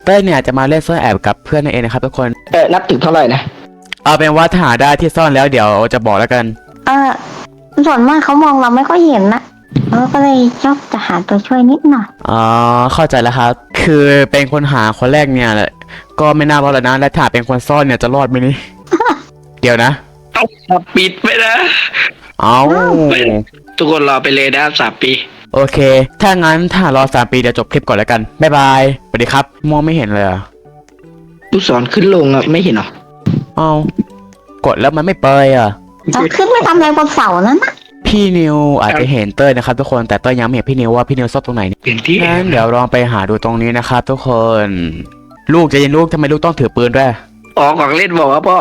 เต้ยเนี่ยจะมาเล่นซ่อนแอบกับเพื่อนนั่นเองนะครับทุกคนนับถึงเท่าไหร่นะเอาเป็นว่าถ้าหาได้ที่ซ่อนแล้วเดี๋ยวจะบอกแล้วกันเออส่วนมากเขามองเราไม่ค่อยเห็นนะก็เลยชอบจะหาตัวช่วยนิดหน่อยอ๋อเข้าใจแล้วครับคือเป็นคนหาคนแรกเนี่ยแหละก็ไม่น่ารอดแล้วนะและถ้าเป็นคนซ่อนเนี่ยจะรอดไหมนี่ เดี๋ยวนะต้องปิดไปนะเอาทุกคนรอไปเลยนะ3 ปีโอเคถ้างั้นถ้ารอ3 ปีเดี๋ยวจบคลิปก่อนแล้วกันบ๊ายบายสวัสดีครับมองไม่เห็นเลยลูกศรขึ้นลงไม่เห็นหรอเอากดแล้วมันไม่เปยเราขึ้นไปทำอะไรบนเสานั้นนะพี่นิวอาจจะเห็นเต้ยนะครับทุกคนแต่เต้ยยังไม่เห็นพี่นิวว่าพี่นิวซ่อนตรงไหนงั้นเดี๋ยวลองไปหาดูตรงนี้นะครับทุกคนลูกใจเย็นลูกทำไมลูกต้องถือปืนด้วยของเล่นบอกว่าพ่อ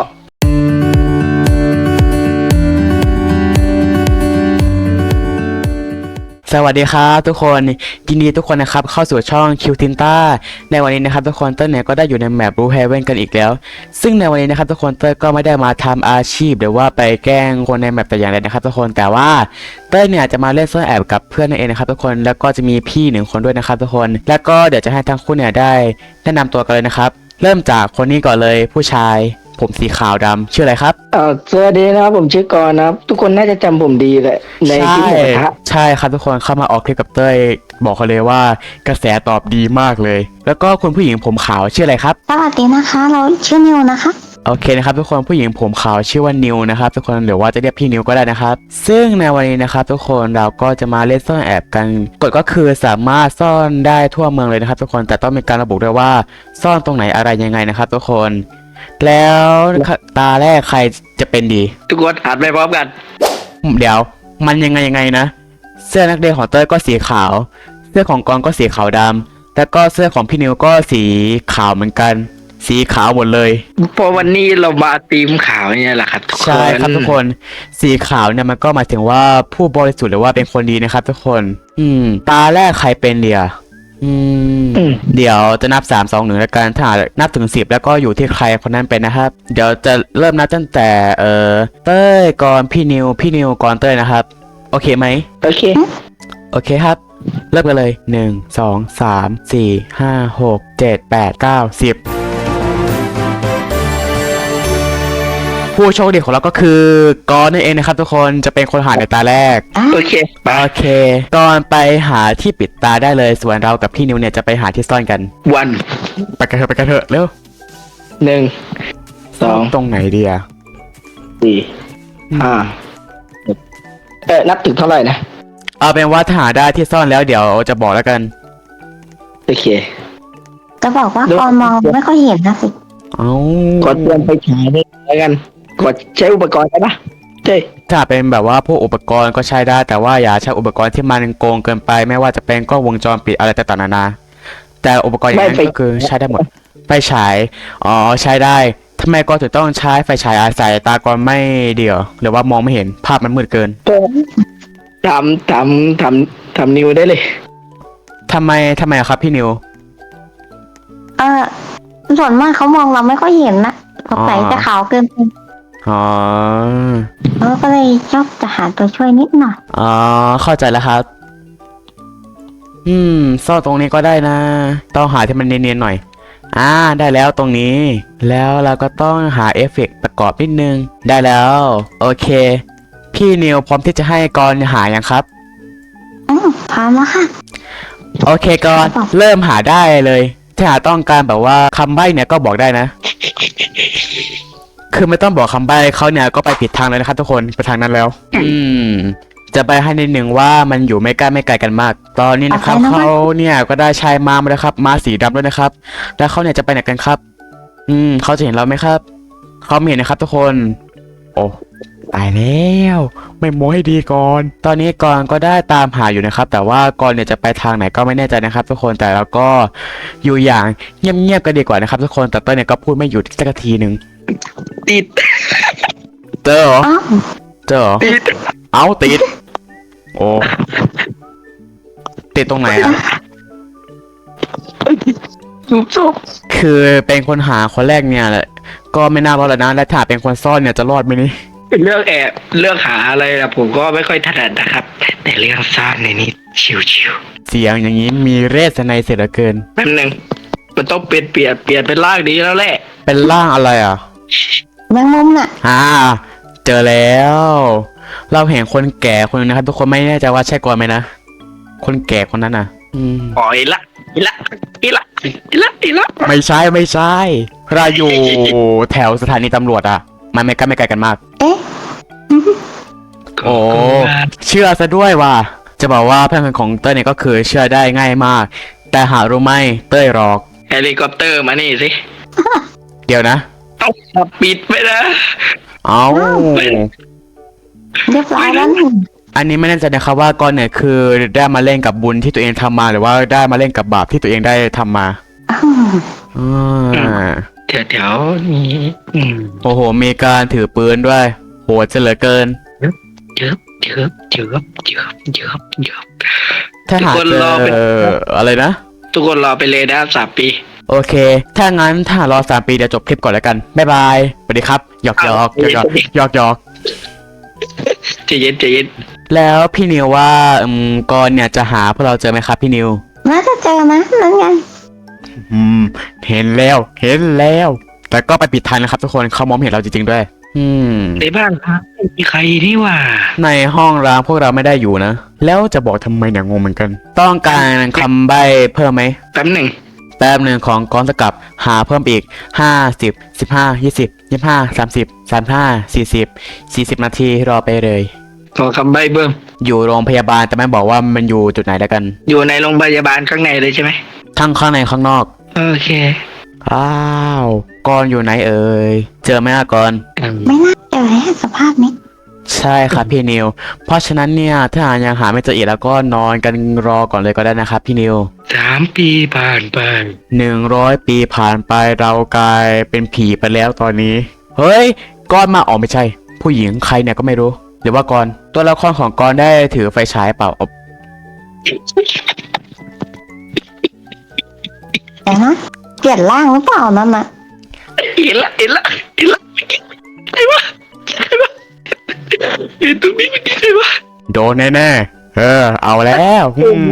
สวัสดีครับทุกคนยินดีทุกคนนะครับเข้าสู่ช่องคิวทินต้าในวันนี้นะครับทุกคนเต้ยเนี่ยก็ได้อยู่ในแมปรูเฮเว่นกันอีกแล้วซึ่งในวันนี้นะครับทุกคนเต้ยก็ไม่ได้มาทำอาชีพหรือว่าไปแกล้งคนในแมปแต่อย่างใดนะครับทุกคนแต่ว่าเต้ยเนี่ยจะมาเล่นซ่อนแอบกับเพื่อนนั่นเองนะครับทุกคนแล้วก็จะมีพี่1 คนด้วยนะครับทุกคนแล้วก็เดี๋ยวจะให้ทั้งคู่เนี่ยได้แนะนำตัวกันเลยนะครับเริ่มจากคนนี้ก่อนเลยผู้ชายผมสีขาวดำชื่ออะไรครับสวัสดีนะครับผมชื่อกรนะครับทุกคนน่าจะจำผมดีเลยในคลิปหมูกระทะใช่ครับทุกคนเข้ามาออกคลิปกับเต้ยบอกเขาเลยว่ากระแสตอบดีมากเลยแล้วก็คุณผู้หญิงผมขาวชื่ออะไรครับสวัสดีนะคะเราชื่อนิวนะคะโอเคนะครับทุกคนผู้หญิงผมขาวชื่อว่านิวนะครับทุกคนหรือว่าจะเรียกพี่นิวก็ได้นะครับซึ่งในวันนี้นะครับทุกคนเราก็จะมาเล่นซ่อนแอบกันกฎก็คือสามารถซ่อนได้ทั่วเมืองเลยนะครับทุกคนแต่ต้องมีการระบุด้วยว่าซ่อนตรงไหนอะไรยังไงนะครับทุกคนแล้วตาแรกใครจะเป็นดีทุกคนอ่านไปพร้อมกันเดี๋ยวมันยังไงนะเสื้อนักเรียนของเต้ยก็สีขาวเสื้อของกรก็สีขาวดำแล้วก็เสื้อของพี่นิวก็สีขาวเหมือนกันสีขาวหมดเลยเพราะวันนี้เรามาทีมขาวเนี่ยแหละครับใช่ครับทุกคนสีขาวเนี่ยมันก็หมายถึงว่าผู้บริสุทธิ์หรือว่าเป็นคนดีนะครับทุกคนตาแรกใครเป็นเดียเดี๋ยวจะนับ3 2 1แล้วกันถ้านับถึง10แล้วก็อยู่ที่ใครคนนั้นเป็นนะครับเดี๋ยวจะเริ่มนับตั้งแต่เต้ยก่อนพี่นิวก่อนเต้ยนะครับโอเคไหมโอเคครับเริ่มกันเลย1 2 3 4 5 6 7 8 9 10ผู้โชคดีของเราก็คือกอนนั่นเองนะครับทุกคนจะเป็นคนหาในตาแรกโอเคก่อนไปหาที่ปิดตาได้เลยส่วนเรากับพี่นิวเนี่ยจะไปหาที่ซ่อนกันวันไปกันเถอะเร็ว 1 2 ตรงไหนดีอะ 4 5นับถึงเท่าไหร่นะเอาเป็นว่าถ้าหาได้ที่ซ่อนแล้วเดี๋ยวจะบอกแล้วกันโอเคจะบอกว่าตอนมองไม่ค่อยเห็นนะสิกดเตรียมไปฉายได้แล้วกันกดใช้อุปกรณ์ได้ปะใช่ถ้าเป็นแบบว่าพวกอุปกรณ์ก็ใช้ได้แต่ว่าอย่าใช้อุปกรณ์ที่มันโกงเกินไปไม่ว่าจะเป็นกล้องวงจรปิดอะไรต่างๆนานาแต่อุปกรณ์อย่างนั้นก็คือใช้ได้หมดไฟฉายใช้ได้ทำไมก็ถึงต้องใช้ไฟฉายอาศัยตากรไม่เดียวหรือว่ามองไม่เห็นภาพมันมืดเกินทำนิวได้เลยทำไมครับพี่นิวส่วนมากเขามองเราไม่ค่อยเห็นนะสงสัยจะขาวเกินไปก็เลยชอบจะหาตัวช่วยนิดหน่อยเข้าใจแล้วครับซ่อนตรงนี้ก็ได้นะต้องหาที่มันเนียนๆหน่อยได้แล้วตรงนี้แล้วเราก็ต้องหาเอฟเฟกต์ประกอบนิดนึงได้แล้วโอเคพี่นิวพร้อมที่จะให้กรหายังครับพร้อมแล้วค่ะโอเคกรเริ่มหาได้เลยถ้าหาต้องการแบบว่าคำใบ้เนี่ยก็บอกได้นะคือไม่ต้องบอกคำใบ้เขาเนี่ยก็ไปผิดทางเลยนะครับทุกคนไปทางนั้นแล้วจะไปให้นิดหนึ่งว่ามันอยู่ไม่ใกล้กันมากตอนนี้นะครับเขาเนี่ยก็ได้ชายม้ามาแล้วครับม้าสีดำด้วยนะครับแล้วเขาเนี่ยจะไปไหนกันครับเขาจะเห็นเราไหมครับเขาไม่เห็นนะครับทุกคนโอ้ตายแล้วไม่โม้ให้ดีก่อนตอนนี้กรก็ได้ตามหาอยู่นะครับแต่ว่ากรเนี่ยจะไปทางไหนก็ไม่แน่ใจนะครับทุกคนแต่เราก็อยู่อย่างเงียบๆกันดีกว่านะครับทุกคนแต่ต้นเนี่ยก็พูดไม่หยุดสักทีหนึ่งติดเจอเหรอติดติดโอ้ติดตรงไหนอะจุบคือเป็นคนหาคนแรกเนี่ยแหละก็ไม่น่ารอดแล้วนะและถ้าเป็นคนซ่อนเนี่ยจะรอดไหมนี่เรื่องแอบเรื่องหาอะไรนะผมก็ไม่ค่อยถนัดนะครับแต่เรื่องซ่อนในนี้ชิวเสียงอย่างนี้มีเรศในเสียเหลือเกินแป๊บนึงมันต้องเปลี่ยนเป็นร่างนี้แล้วแหละเป็นร่างอะไรอ่ะแมงมุมน่ะเจอแล้ว เราเห็นคนแก่คนนึงนะครับ ทุกคนไม่แน่ใจว่าใช่กอนไหมนะ คนแก่คนนั้นน่ะอ๋ออีละไม่ใช่เราอยู่แถวสถานีตำรวจอ่ะ มันไม่ไกลกันมากเอ๊ะโอ้เชื่อซะด้วยว่า จะบอกว่าเพื่อนของเต้ยเนี่ยก็คือเชื่อได้ง่ายมาก แต่หารู้ไหมเต้ยหรอกเฮลิคอปเตอร์มานี่สิเดี๋ยวนะต้องปิดไปนะเอาเรียบร้อยแล้วนี่อันนี้ไม่แน่ใจนะครับว่ากอนเนี่ยคือได้มาเล่นกับบุญที่ตัวเองทำมาหรือว่าได้มาเล่นกับบาปที่ตัวเองได้ทำมาอ้าวอ่าแถวนี้โอ้โห มีการถือปืนด้วย โหดจะเหลือเกินเยอะถ้าหากทุกคนเจรอเป็นอะไรนะทุกคนรอไปเลยนะ3 ปีโอเค ถ้างั้นถ้ารอ3 ปีเดี๋ยวจบคลิปก่อนแล้วกัน บ๊ายบาย สวัสดีครับ หยอกใจเย็นแล้วพี่นิวว่ากอนเนี่ยจะหาพวกเราเจอไหมครับพี่นิวน่าจะเจอนะนั่นไงเห็นแล้ว แต่ก็ไปปิดทันนะครับทุกคนเขามองไม่เห็นเราจริงๆด้วยในบ้านพักไม่มีใครนี่หว่าในห้องร้างพวกเราไม่ได้อยู่นะ แล้วจะบอกทำไมเนี่ยงงเหมือนกัน ต้องการคำใบ้เพิ่มไหมแป๊บหนึ่งแป๊บหนึ่งของกองสกับหาเพิ่มอีก50 15 20 25 30 35 40 นาทีรอไปเลยขอคำใบ้เบิ่มอยู่โรงพยาบาลแต่ไม่บอกว่ามันอยู่จุดไหนแล้วกันอยู่ในโรงพยาบาลข้างในเลยใช่ไหมทั้งข้างในข้างนอกโอเคอ้าวกอนอยู่ไหนเอ่ยเจอไหมอะกอนไม่น่าเจอแล้วสภาพนี้ใช่ครับพี่นิว เพราะฉะนั้นเนี่ยถ้ายังหาไม่เจออีกแล้วก็นอนกันรอก่อนเลยก็ได้นะครับพี่นิว 3 ปีผ่านไป 100 ปีผ่านไปเรากลายเป็นผีไปแล้วตอนนี้ เฮ้ยกอนมาอ๋อไม่ใช่ ผู้หญิงใครเนี่ยก็ไม่รู้ หรือว่ากอนตัวละครของกอนได้ถือไฟฉายเปล่าแต่นะเปลี่ยนร่างหรือเปล่านั่นน่ะเห็นละใครวะเห็นตรงนี้มันใครวะโดนแน่ๆเอาแล้ว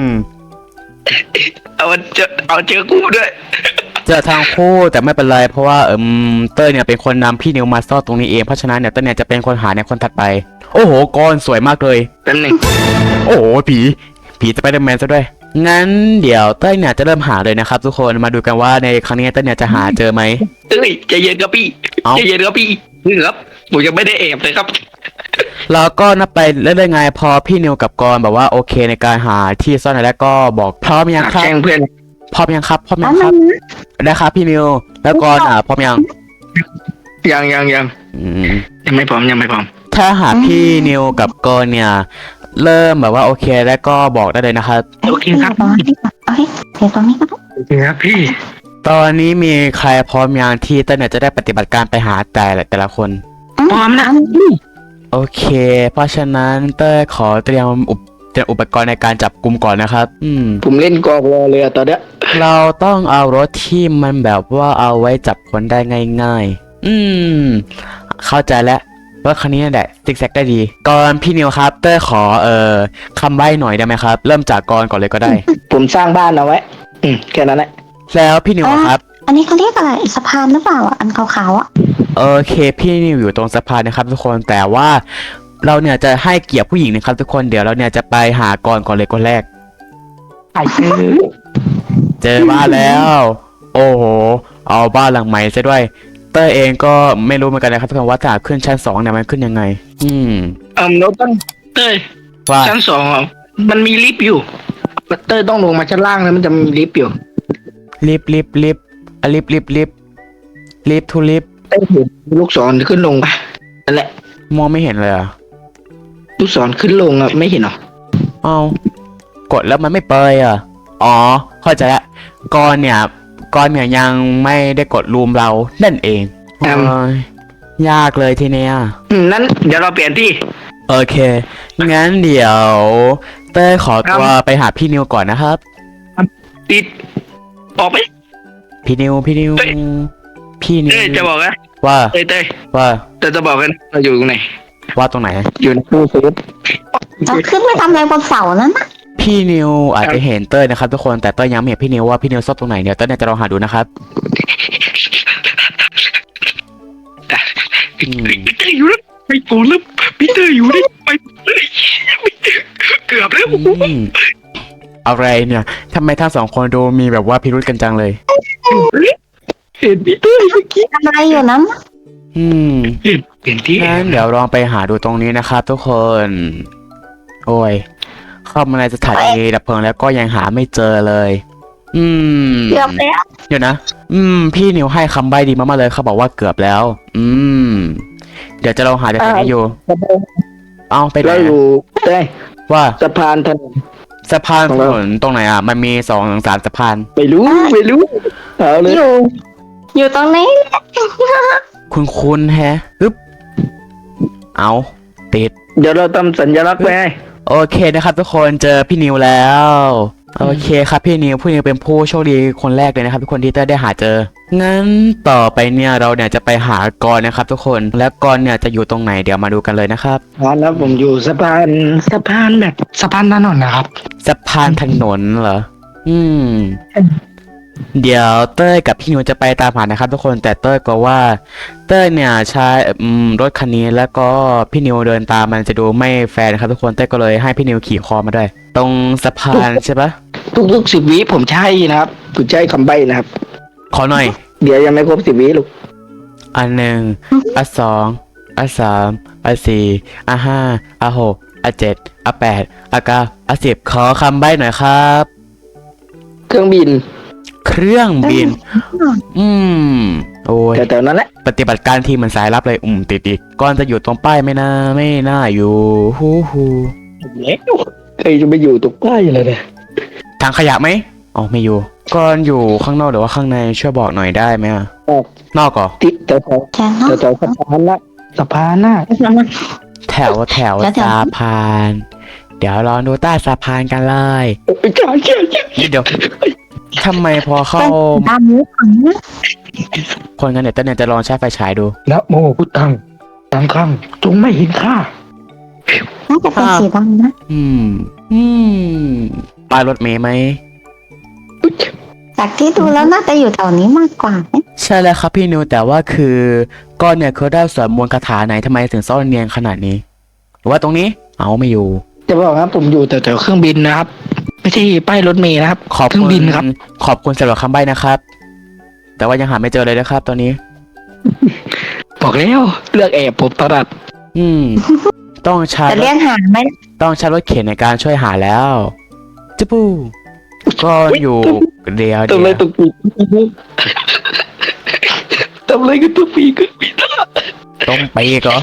เอาเจอกูด้วยเจอทางคู่แต่ไม่เป็นไรเพราะว่าเต้ยเนี่ยเป็นคนนำพี่นิวมาซ่อนตรงนี้เองเพราะฉะนั้นเนี่ยเต้ยเนี่ยจะเป็นคนหาในคนถัดไป โอ้โหกอนสวยมากเลยแป๊บหนึ่งโอ้โหผีสไปเดอร์แมนซะด้วย งั้นเดี๋ยวเต้ยเนี่ยจะเริ่มหาเลยนะครับทุกคนมาดูกันว่าในครั้งนี้เต้ยเนี่ยจะหาเจอไหมเอ้ยใจเย็นครับพี่เอ้าใจเย็นครับพี่ครับผมยังไม่ได้แอบเลยครับเราก็นับไปเรื่อยๆไงพอพี่นิวกับกอนแบบว่าโอเคในการหาที่ซ่อนแล้วก็บอกพร้อมยังครับแกล้งเพื่อนพร้อมยังครับแล้วมันนะได้ครับพี่นิวแล้วกอนพร้อมยังยังอืมยังไม่พร้อมถ้าหากพี่นิวกับกอนเนี่ยเริ่มแบบว่าโอเคแล้วก็บอกได้เลยนะครับโอเคครับตรงนี้ก่อนโอเคเดี๋ยวตรงนี้ก็ได้โอเคครับพี่ตอนนี้มีใครพร้อมยังที่เต้ยเนี่ยจะได้ปฏิบัติการไปหาแต่ละคนพร้อมนะโอเค เพราะฉะนั้นเต้ยขอเตรียมอุปกรณ์ในการจับกลุ่มก่อนนะครับผมเล่นกองรอเลยอะตอนเนี้ยเราต้องเอารถที่มันแบบว่าเอาไว้จับคนได้ง่ายๆเข้าใจแล้วว่าคันนี้นั่นแหละซิกแซกได้ดีก่อนพี่นิวครับเต้ยขอคำใบ้หน่อยได้ไหมครับ เริ่มจากกอนก่อนเลยก็ได้ผมสร้างบ้านเอาไว้แค่นั้นแหละแล้วพี่นิวอะครับอันนี้เขาเรียกอะไรสะพานหรือเปล่าอ่ะอันขาวๆอ่ะโอเคพี่นิวอยู่ตรงสะพานนะครับทุกคนแต่ว่าเราเนี่ยจะให้เกียรติผู้หญิงนะครับทุกคนเดี๋ยวเราเนี่ยจะไปหากอนก่อนเลยคนแรกไอ้เจอเจอบ้านแล้ว โอ้โห เอาบ้านหลังใหม่ซะด้วย เต้ยเองก็ไม่รู้เหมือนกันนะครับทุกคนว่าถ้าขึ้นชั้น2เนี่ยมันขึ้นยังไงเราต้องเต้ยว่าชั้น2อ่ะมันมีลิฟต์อยู่เต้ยต้องลงมาชั้นล่างแล้วมันจะมีลิฟต์อยู่ลิฟทูลิฟเต้ยเห็นลูกศรขึ้นลงปะนั่นแหละมองไม่เห็นเลยอ่ะลูกศรขึ้นลงอ่ะไม่เห็นหรอเอากดแล้วมันไม่เปยอ่ะอ๋อเข้าใจละก่อนเนี่ยยังไม่ได้กดรูมเรานั่นเองโอ้ยยากเลยทีเนี้ยนั้นเดี๋ยวเราเปลี่ยนที่โอเค งั้นเดี๋ยวเต้ยขอตัวไปหาพี่นิวก่อนนะครับปิดออกไปพี่นิวเต้ยจะบอกนะว่าเต้ยว่าจะบอกกันเราอยู่ตรงไหนว่าตรงไหนอยู่ในตู้เซฟเราขึ้นไปทำอะไรบนเสานั้นนะพี่พี่นิวอาจจะเห็นเต้ยนะครับทุกคนแต่เต้ยยังไม่เห็นพี่นิวว่าพี่นิวซ่อนตรงไหนเดี๋ยวเต้ยเนี่ยจะลองหาดูนะครับอืมพี่เตอร์อยู่แล้วไปโกนแล้วพี่เตอร์อยู่ได้ไปเกือบแล้วอืมอะไรเนี่ยทำไมทั้งสองคนดูมีแบบว่าพิรุธกันจังเลยเห็นพี่เตอร์เมื่อกี้ทำอะไรอยู่นั้นอืมเห็นที่งั้นเดี๋ยวลองไปหาดูตรงนี้นะครับทุกคน โอ้ยเข้ามาในสถานีดับเพลิงแล้วก็ยังหาไม่เจอเลย อืมเกือบแล้วเดี๋ยวนะ พี่นิวให้คำใบ้ดีมากๆเลยเขาบอกว่าเกือบแล้ว เดี๋ยวจะลองหาจากไหนอยู่ เอาไปไหนเราอยู่ได้ว่าสะพานถนนสะพานถนนตรงไหนอ่ะ มันมี2 ถึง 3สะพานไม่รู้เอาเลยอยู่ตรงนี้คุณแฮะปึ๊บ เอาติดเดี๋ยวเราทำสัญลักษณ์ไว้ให้โอเคนะครับทุกคนเจอพี่นิวแล้ว โอเคครับพี่นิวเป็นผู้โชคดีคนแรกเลยนะครับทุกคนที่ได้หาเจอ งั้นต่อไปเนี่ยเราเนี่ยจะไปหากรนะครับทุกคนและกรเนี่ยจะอยู่ตรงไหนเดี๋ยวมาดูกันเลยนะครับแล้วผมอยู่สะพานแบบสะพานถนนนะครับสะพานถนนเหรอ เดี๋ยวเต้ยกับพี่นิวจะไปตามหานะครับทุกคนแต่เต้ยก็ว่าเต้ยเนี่ยใช้รถคันนี้แล้วก็พี่นิวเดินตามมันจะดูไม่แฟร์นะครับทุกคนเต้ยก็เลยให้พี่นิวขี่คอมาด้วย ตรงสะพานใช่ปะทุก10 วิผมใช่นะครับผมใช้คำใบ้นะครับขอหน่อยเดี๋ยวยังไม่ครบ10 วิลูกอัน 1 อัน 2 อัน 3 อัน 4 อัน 5 อัน 6 อัน 7 อัน 8 อัน 9 อัน 10ขอคำใบ้หน่อยครับเครื่องบินเครื่องบิน โอ้ยแถวๆนั้นแหละปฏิบัติการทีมเหมือนสายลับเลยติดอีกก่อนจะอยู่ตรงป้ายไม่น่าอยู่ฮูแล้วใครจะไปอยู่ตรงใกล้เลยเนี่ยทางขยะไหมอ๋อไม่อยู่ก่อนอยู่ข้างนอกหรือว่าข้างในช่วยบอกหน่อยได้ไหมอะนอกก่อติดแถวแค่นั้นๆสะพานละสะพานน่ะแถวแล้วแถวสะพาน เดี๋ยวลองดูใต้สะพานกันเลยใช่เดี๋ยวทำไมพอเข้าตามนี้ก่อนนะคนกันเนี่ยจะลองใช้ไฟฉายดูนะโมพุทธังตังคังจงไม่เห็นข้าน่าจะเป็นสีดำนะป้ายรถเมย์ไหมจากที่ดูแล้วน่าจะอยู่แถวนี้มากกว่านะใช่แล้วครับพี่นิวแต่ว่าคือก้อนเนี่ยเขาได้สวดมนต์คาถาไหนทำไมถึงซ่อนเนียนขนาดนี้หรือว่าตรงนี้เอาไม่อยู่จะบอกครับผมอยู่แถวๆเครื่องบินนะครับ ไม่ใช่ป้ายรถเมล์นะครับขอบเครื่คุองณบินครับขอบคุณสำหรับคำใบ้นะครับ แต่ว่ายังหาไม่เจอเลยนะครับ ตอนนี้บอกแล้วเลือกแอบผมตลอดต้องใช้จะเรียกหาไหมต้องใช้รถเข็นในการช่วยหาแล้วจุปูก็อยู่เดียวทำอะไรตกปีกทำอะไรกันตกปีกต้องไปอีกเหรอ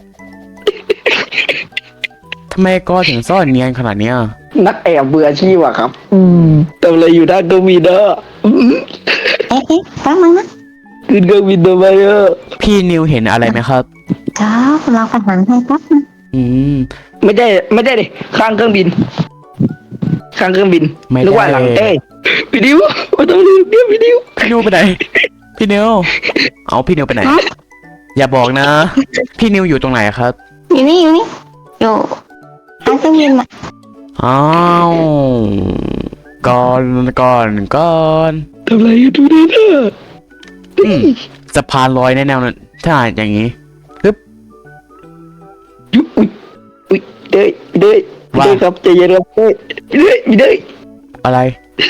ทำไมก็ถึงซ่อนเนียนขนาดเนี้ยนักแอบเบื่ออาชีพอะครับ ทำอะไรอยู่ด้านเครื่องบินเนอะเอ๊ะแป๊บนึงนะขึ้นเครื่องบินทำไมเออพี่นิวเห็นอะไรไหมครับเดี๋ยวเราประหารให้แป๊บนึงไม่ได้ดิข้างเครื่องบิน ข้างเครื่องบินไม่ได้นึกว่าหลังเต้พี่ดิวมาทำอะไรเนี่ยพี่ดิวพี่นิวไปไหน พี่นิวเอาพี่นิวไปไหน อย่าบอกนะ พี่นิวอยู่ตรงไหนครับอยู่นี่อยู่ทางเครื่องบินอ่ะอ้าวก่อนทำอะไรอยู่ดูดิเนอะสะพานลอยแน่ๆเลยถ้าอย่างนี้ปึ๊บยุบอุ้ยเด้ยว่าครับใจเย็นครับเด้ยอะไร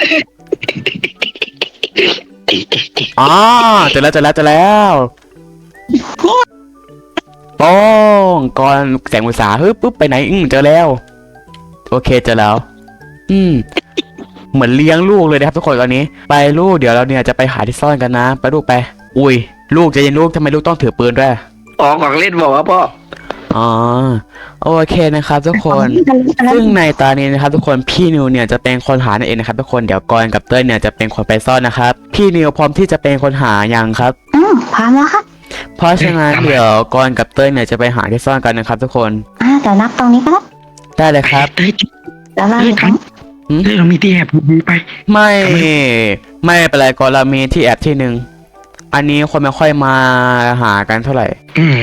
อ๋อเจอแล้วป้องก่อนแสงอุตสาฮึบปุ๊บไปไหนเจอแล้ว โอเคเจอแล้ว เหมือนเลี้ยงลูกเลยนะครับทุกคนตอนนี้ ไปลูกเดี๋ยวเราเนี่ยจะไปหาที่ซ่อนกันนะ ไปลูกไป อุ้ยลูกใจเย็นลูกทำไมลูกต้องถือปืนด้วยของเล่นบอกว่าพ่ออ๋อโอเคนะครับทุกคน ซึ่งในตอนนี้นะครับทุกคนพี่นิวเนี่ยจะเป็นคนหานั่นเองนะครับทุกคนเดี๋ยวกรกับเต้ยเนี่ยจะเป็นคนไปซ่อนนะครับพี่นิวพร้อมที่จะเป็นคนหายังครับพร้อมแล้วครับเพราะฉะนั้นเดี๋ยวกรกับเต้ยเนี่ยจะไปหาที่ซ่อนกันนะครับทุกคนเดี๋ยวนับตรงนี้ก็ได้ได้เลยครับเดี๋ยวเราอยู่ตรงนี้เฮ้ยเรามีที่แอบดีไปไม่เป็นไรกรเรามีที่แอบที่หนึ่งอันนี้คนไม่ค่อยมาหากันเท่าไหร่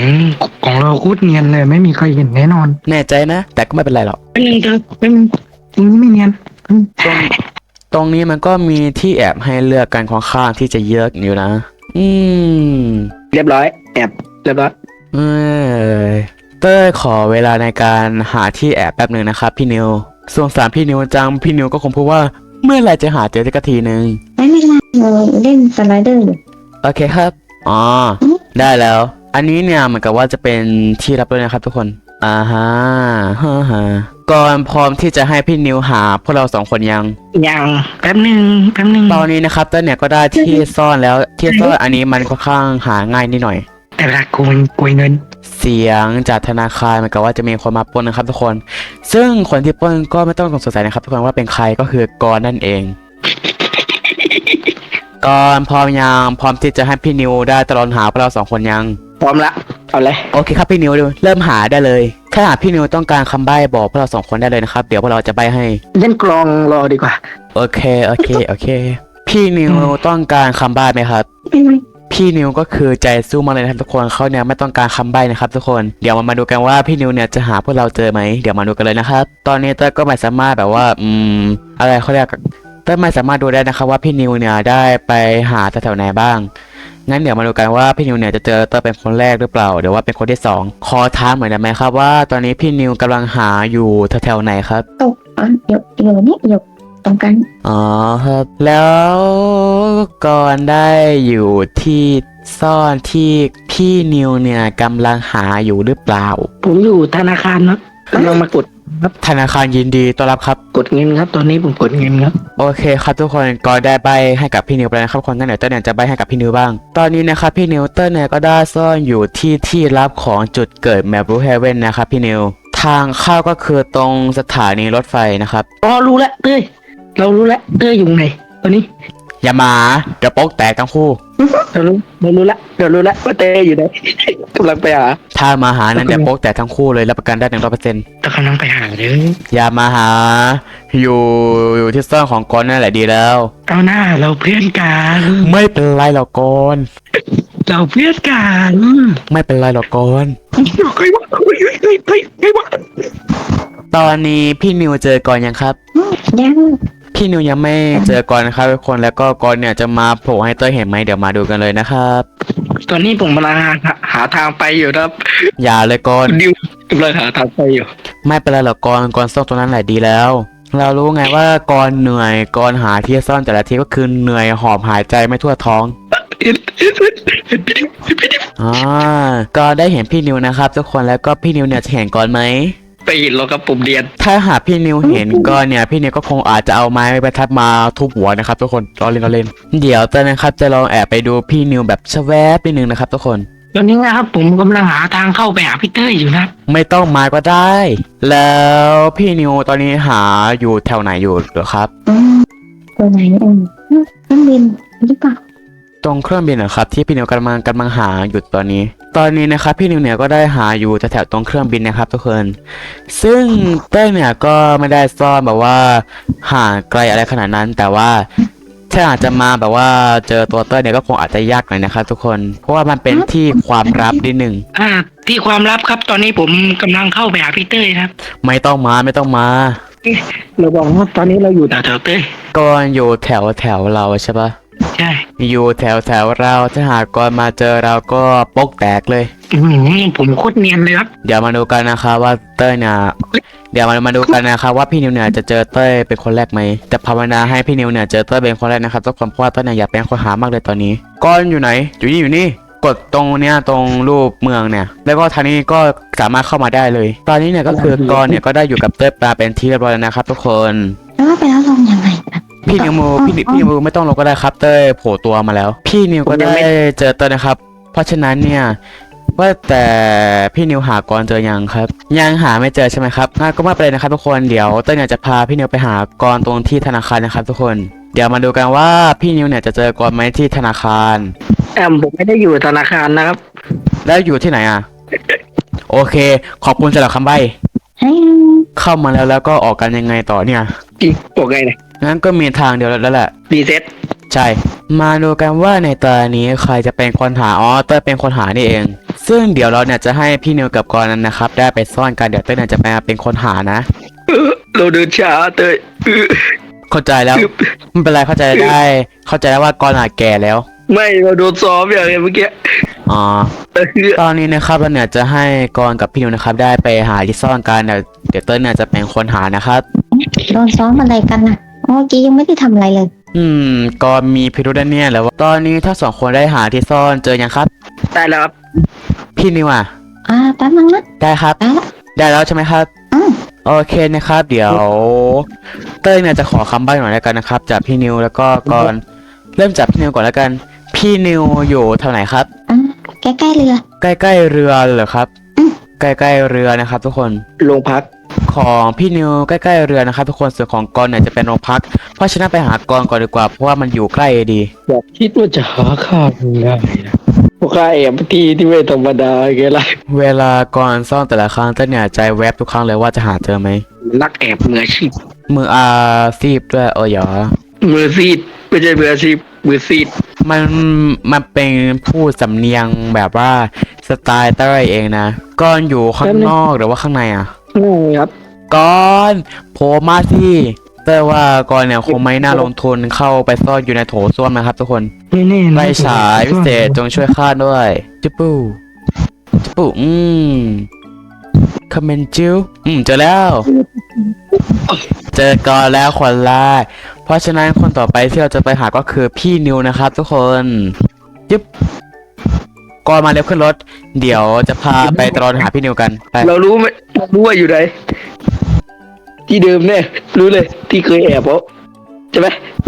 ของเราโคตรเนียนเลยไม่มีใครเห็นแน่นอนแน่ใจนะ แต่ก็ไม่เป็นไรหรอกเป็นไม่เนียนตรงนี้มันก็มีที่แอบให้เลือกกันค่อนข้างที่จะเยอะอยู่นะเรียบร้อยแอบเรียบร้อยเอ้ยเต้ยขอเวลาในการหาที่แอบแป๊บหนึ่งนะครับพี่นิวสงสารพี่นิวจังพี่นิวก็คงพูดว่าเมื่อไหร่จะหาเจอสักทีหนึ่งไม่เป็นไรเลยเล่นสไลเดอร์อยู่โอเคครับอ๋อได้แล้ว อันนี้เนี่ยเหมือนกับว่าจะเป็นที่รับด้วยนะครับทุกคนฮะก่อนพร้อมที่จะให้พี่นิวหาพวกเรา2 คนยังยังแป๊บหนึ่งตอนนี้นะครับเต้ยเนี่ยก็ได้ที่ซ่อนแล้วที่ซ่อนอันนี้มันค่อนข้างหาง่ายนิดหน่อยแต่เวลาโกยเงินเสียงจากธนาคารเหมือนกับว่าจะมีคนมาปล้นนะครับทุกคน ซึ่งคนที่ปล้นก็ไม่ต้องสงสัยนะครับทุกคนว่าเป็นใครก็คือกรนั่นเอง กรพร้อมยังพร้อมที่จะให้พี่นิวได้ตลอดหาพวกเรา2 คนยังพร้อมละเอาเลยโอเคครับพี่นิวเริ่มหาได้เลยแค่หากพี่นิวต้องการคำใบ้บอกพวกเรา2 คนได้เลยนะครับเดี๋ยวพวกเราจะใบ้ให้เล่นกลองรอดีกว่าโอเคพี่นิวต้องการคำใบ้ไหมครับเป็นไรพี่นิวก็คือใจสู้มากเลยนะครับทุกคนเขาเนี่ยไม่ต้องการคำใบ้นะครับทุกคนเดี๋ยวมาดูกันว่าพี่นิวเนี่ยจะหาพวกเราเจอไหมเดี๋ยวมาดูกันเลยนะครับตอนนี้เต้ยก็ไม่สามารถแบบว่าอะไรเขาเรียกเต้ยไม่สามารถดูได้นะครับว่าพี่นิวเนี่ยได้ไปหาแถวๆไหนบ้างงั้นเดี๋ยวมาดูกันว่าพี่นิวเนี่ยจะเจอเต้ยเป็นคนแรกหรือเปล่าหรือว่าเป็นคนที่2ขอถามหน่อยได้ไหมครับว่าตอนนี้พี่นิวกำลังหาอยู่แถวๆไหนครับตกอยู่นี่อยู่ตรงกันอ๋อครับแล้วก่อนได้อยู่ที่ซ่อนที่พี่นิวเนี่ยกำลังหาอยู่หรือเปล่าผมอยู่ธนาคารนะกำลังมากดธนาคารยินดีต้อนรับครับกดเงินครับ ตอนนี้ผมกดเงินครับโอเคครับทุกคนก็ได้ใบให้กับพี่นิวไปแล้วนะครับคนงั้นเดี๋ยวเต้ยเนี่ยจะใบให้กับพี่นิวบ้าง ตอนนี้นะครับพี่นิวเต้ยเนี่ยก็ได้ซ่อนอยู่ที่รับของจุดเกิดแมปรูเฮเว่นนะครับพี่นิวทางเข้าก็คือตรงสถานีรถไฟนะครับอ๋อรู้แล้วเต้ยเรารู้แล้วเต้ยอยู่ไหนตอนนี้อย่ามาเดี๋ยวโป๊กแตกทั้งคู่เรารู้แล้วว่าเต้ยอยู่ไหน กำลังไปหาถ้ามาหานั้นเดี๋ยวโป๊กแตกทั้งคู่เลยรับประกันได้100% แต่กำลังไปหาเลยอย่ามาหาอยู่ที่ซ่อนของกอนนั่นแหละดีแล้วเอาหน้าเราเพื่อนกันไม่เป็นไรหรอกกอนเราเพื่อนกันไม่เป็นไรหรอกกอนใครวะใครวะตอนนี้พี่นิวเจอกอนยังครับยังพี่นิวยังไม่เจอกอนนะครับทุกคนแล้วก็กอนเนี่ยจะมาโผล่ให้เต้ยเห็นไหมเดี๋ยวมาดูกันเลยนะครับตอนนี้ผมกำลังหาทางไปอยู่ครับอย่าเลยกอนดิวกำลังหาทางไปอยู่ไม่เป็นไรหรอกกอนซ่อนตรงนั้นแหละดีแล้ว เรารู้ไงว่ากอนเหนื่อยกอนหาที่ซ่อนแต่ละทีก็คือเหนื่อยหอบหายใจไม่ทั่วท้องก็ได้เห็นพี่นิวนะครับทุกคนแล้วก็พี่นิวเนี่ยจะเห็นกอนไหมไปเห็นเราครับผมเรียนถ้าหากพี่นิวเห็นก็เนี่ยพี่นิวก็คงอาจจะเอาไม้ไปทัดมาทุบหัวนะครับทุกคนล้อเล่นเดี๋ยวตอนนะครับจะลองแอบไปดูพี่นิวแบบชะแวบนิดนึงนะครับทุกคนตอนนี้นะครับผมกำลังหาทางเข้าไปหาพี่เต้ยอยู่นะไม่ต้องมาก็ได้ แล้วพี่นิวตอนนี้หาอยู่แถวไหนอยู่เหรอครับตัวไหนเครื่องบินหรือเปล่าตรงเครื่องบินเหรอครับที่พี่นิวกำลังหาอยู่ตอนนี้นะครับพี่นิวเนี่ยก็ได้หาอยู่แถวๆตรงเครื่องบินนะครับทุกคนซึ่งเต้ยเนี่ยก็ไม่ได้ซ่อนแบบว่าห่างไกลอะไรขนาดนั้น แต่ว่าถ้าอาจจะมาแบบว่าเจอตัวเต้ยเนี่ยก็คงอาจจะยากหน่อยนะครับทุกคนเพราะว่ามันเป็นที่ความลับนิดหนึ่งที่ความลับครับตอนนี้ผมกำลังเข้าไปหาพี่เต้ยครับไม่ต้องมาเราบอกว่าตอนนี้เราอยู่แถวเต้ยก่อนอยู่แถวเราใช่ปะใช่อยู่แถวเราถ้าหากก่อนมาเจอเราก็ปกแตกเลยผมโคตรเนียนเลยครับเดี๋ยวมาดูกันนะครับว่าเต้ยเนี่ยเดี๋ยวมาดูกันนะครับว่าพี่นิวเนี่ยจะเจอเต้ยเป็นคนแรกไหมแต่ภาวนาให้พี่นิวเนี่ยเจอเต้ยเป็นคนแรกนะครับทุกคนเพราะว่าเต้ยเนี่ยอยากเป็นคนหามากเลยตอนนี้ก้อนอยู่ไหนอยู่นี่กดตรงเนี้ยตรงรูปเมืองเนี่ยแล้วก็ทางนี้ก็สามารถเข้ามาได้เลย ตอนนี้เนี่ยก็คือกอนเนี่ยก็ได้อยู่กับเต้ยปลาเป็นที่เรียบร้อยแล้วนะครับทุกคนแล้วไปแล้วลงยังไงกันพี่นิวไม่ต้องลงก็ได้ครับเต้ยโผล่ตัวมาแล้ว พี่นิวก็ได้เจอเต้ยนะครับ เพราะฉะนั้นเนี่ยว่าแต่พี่นิวหากรเจอยังครับยังหาไม่เจอใช่ไหมครับงั้นก็ไม่เป็นไรนะครับทุกคนเดี๋ยวเต้ยเนี่ยจะพาพี่นิวไปหากรตรงที่ธนาคารนะครับทุกคนเดี๋ยวมาดูกันว่าพี่นิวเนี่ยจะเจอกรไหมที่ธนาคารผมไม่ได้อยู่ธนาคารนะครับแล้วอยู่ที่ไหนอ่ะ โอเคขอบคุณสำหรับคำใบ้เข้ามาแล้วก็ออกกันยังไงต่อเนี่ยอีกบอกไงเนี่ยงั้นก็มีทางเดียวแล้วแหละรีเซ็ตใช่ มาดูกันว่าในตอนนี้ใครจะเป็นคนหาเต้ยเป็นคนหานี่เอง ซึ่งเดี๋ยวเราเนี่ยจะให้พี่นิวกับกรนั้นนะครับได้ไปซ่อนกันเดี๋ยวเต้ยเนี่ยจะมาเป็นคนหานะเราเดินช้าเตยเข้าใจแล้วไม่เป็นไรเข้าใจได้ เข้าใจแล้วว่ากรแก่แล้วไม่เราโดนซ้อมอย่างเมื่อกี้อ๋อตอนนี้นะครับเราเนี่ยจะให้กรกับพี่นิวนะครับได้ไปหาที่ซ่อนกันเดี๋ยวเต้นเนี่ยจะเป็นคนหานะครับโดนซ้อมอะไรกันนะเมื่อกี้ยังไม่ได้ทำอะไรเลยกรมีพิรุธเนี่ยแล้วตอนนี้ถ้าสองคนได้หาที่ซ่อนเจอยังครับได้แล้วครับพี่นิวอ่ะแป๊บนึงนะได้ครับได้ละได้แล้วใช่ไหมครับอืมโอเคนะครับ เดี๋ยวเต้ยเนี่ยจะขอคำใบ้หน่อยแล้วกันนะครับจากพี่นิวแล้วก็ก่อนเริ่มจากพี่นิวก่อนแล้วกัน พี่นิวอยู่แถวไหนครับใกล้ๆเรือใกล้ๆเรือเหรอครับอืมใกล้ๆเรือนะครับ ทุกคนโรงพักของพี่นิวใกล้ๆเรือนะครับทุกคนส่วนของกรเนี่ยจะเป็นโรงพัก เพราะฉะนั้นไปหากรก่อนดีกว่าเพราะว่ามันอยู่ใกล้ดีอยากคิดว่าจะหาข้าวง่ายนะพวกข้าแอบที่ไม่ธรรมดาไงล่ะเวลากรซ่อนแต่ละครั้งเต้ยเนี่ยใจแวบทุกครั้งเลยว่าจะหาเจอไหมนักแอบมืออาชีพมืออาซีบด้วยโอ้ยเหรอมือซีดไม่ใช่มืออาชีพมือซีดมันเป็นพูดสำเนียงแบบว่าสไตล์เต้ยเองนะก้อนอยู่ข้างนอกหรือว่าข้างในอ่ะง่ายครับก้อนโผล่มาสิเต้ยว่าก้อนเนี่ยคงไม่น่าลงทุนเข้าไปซ่อนอยู่ในโถส้วมนะครับทุกคนไม่แน่นะไฟฉายพิเศษจงช่วยข้าด้วยจุ๊บปูจุ๊บปูคอมเมนต์จิ้วเจอแล้ว เจอก่อนแล้วคนแรกเพราะฉะนั้นคนต่อไปที่เราจะไปหาก็คือพี่นิวนะครับทุกคนยึบก่อนมาเร็วขึ้นรถ เดี๋ยวจะพาไปตรอนหาพี่นิวกันไปเรารู้ไหมเรารู้ว่าอยู่ไหนที่เดิมแน่รู้เลยที่เคยแอบเพราะใช่ไหม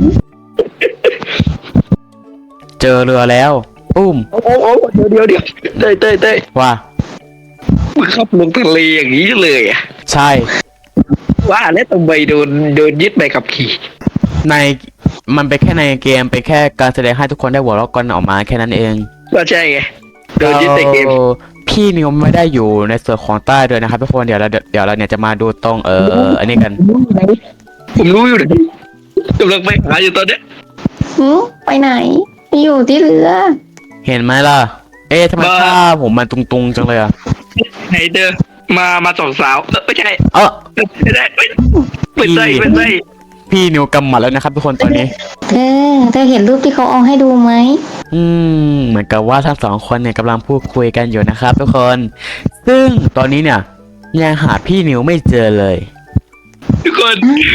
เจอเรือแล้วปุ้มโอ้เดี๋ยวเต้ยว่ามึงขับลงทะเลอย่างนี้เลยอ่ะใช่ว่าแล้วทำไมโดนยึดใบขับขี่ในมันเป็นแค่ในเกมเป็นแค่การแสดงให้ทุกคนได้หัวเราะกันออกมาแค่นั้นเองก็ใช่ไงโดนยึดในเกมพี่นิวไม่ได้อยู่ในส่วนของใต้ด้วยนะครับทุกคนเดี๋ยวเราเนี่ยจะมาดูตรงอันนี้กันผมรู้อยู่ไหนกำลังไปหาอยู่ตอนเนี้ยไปไหนอยู่ที่เรือเห็นไหมล่ะ ทำไมภาพผมมันตุงๆจังเลยอ่ะไหนเด้อมาสองสาวไม่ใช่ ไม่ได้ไม่ใช่พี่นิวกำหมัดแล้วนะครับทุกคนตอนนี้เธอเห็นรูปที่เขาเอาให้ดูไหมเหมือนกับว่าทั้งสองคนเนี่ยกำลังพูดคุยกันอยู่นะครับทุกคน ซึ่งตอนนี้เนี่ยยังหาพี่นิวไม่เจอเลยทุกคน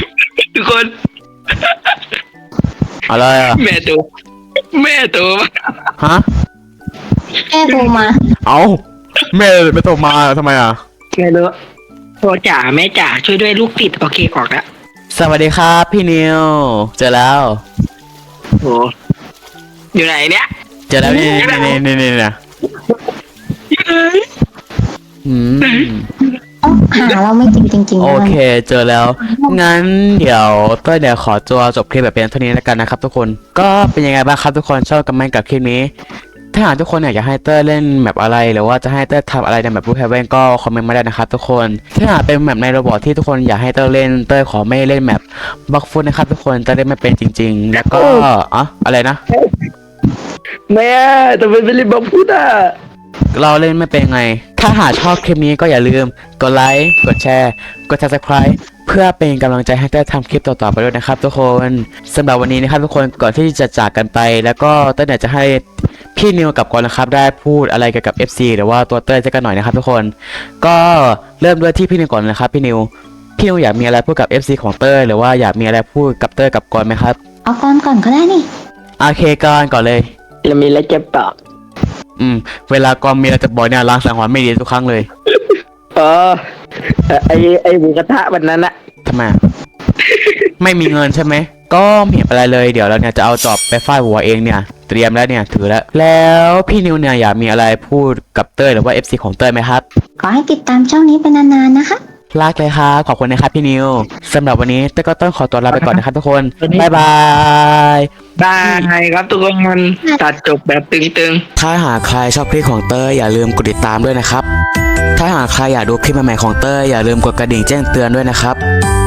อะไรอ่ะแม่ตัวมาฮะแม่โทรมาเอาแม่ไม่โทรมาทำไมอ่ะแม่รู้พ่อจ๋าแม่จ๋าช่วยด้วยลูกติดโอเคออกแล้วสวัสดีครับพี่นิว เจอแล้วโอ้อยู่ไหนเนี่ยเจอแล้วนี่นะหาเราไม่จริงจริงๆโอนะเคเจอแล้ว งั้นเดี๋ยวเต้ยเดี๋ยวขอตัวจบคลิปแบบเพียงเท่านี้แล้วกันนะครับทุกคน ก็เป็นยังไงบ้างครับทุกคนชอบกันไหมกับคลิปนี้ ถ้าหากทุกคนอยากให้เต้ยเล่นแบบอะไรหรือว่าจะให้เต้ยทำอะไรในแบบรูปแฮเวนก็คอมเมนต์มาได้นะครับทุกคน ถ้าหากเป็นแบบในโรบอทที่ทุกคนอยากให้เต้ยเล่นเต้ยขอไม่เล่นแบบบล็อกฟุตนะครับทุกคนจะได้ไม่เป็นจริง ๆ แล้วก็อะไรนะแม่ทำไมไม่รีบบอกพูดอ่ะเราเล่นไม่เป็นไง ถ้าหากชอบคลิปนี้ก็อย่าลืมกดไลค์ กดแชร์ กด subscribe เพื่อเป็นกำลังใจให้เต้ยทำคลิปต่อๆไปด้วยนะครับทุกคนสำหรับวันนี้นะครับทุกคนก่อนที่จะจากกันไป แล้วก็เต้ยอยากจะให้พี่นิวกับกอนนะครับได้พูดอะไรเกี่ยวกับ FC หรือว่าตัวเต้ยจะกันหน่อยนะครับทุกคน ก็เริ่มด้วยที่พี่นิวก่อนนะครับพี่นิวอยากมีอะไรพูดกับ FC ของเต้ยหรือว่าอยากมีอะไรพูดกับเต้ยกับกอนไหมครับเอาก่อนก็ได้นี่โอเคก่อนเลยเรามีอะไรจะบอกเวลากอนมีอะไรจะบอกเนี่ยล้างสังหรณ์ไม่ดีทุกครั้งเลยไอหมูกระทะวันนั้นอะทำไม ไม่มีเงินใช่ไหม ก็ไม่เห็นอะไรเลยเดี๋ยวเราเนี่ยจะเอาจอบไปฟาดหัวเองเนี่ยเตรียมแล้วเนี่ยถือแล้วพี่นิวเนี่ยอยากมีอะไรพูดกับเต้ยหรือว่า FC ของเต้ยไหมครับขอให้ติดตามช่องนี้เป็นนานๆนะคะรักเลยครับขอบคุณนะครับพี่นิวสำหรับวันนี้เต้ยก็ต้องขอตัวลาไปก่อนนะครับทุกคนบ๊ายบายได้ครับทุกคนมันตัดจบแบบตึงถ้าหากใครชอบคลิปของเต้ยอย่าลืมกดติดตามด้วยนะครับถ้าหากใครอยากดูคลิปใหม่ๆของเต้ยอย่าลืมกดกระดิ่งแจ้งเตือนด้วยนะครับ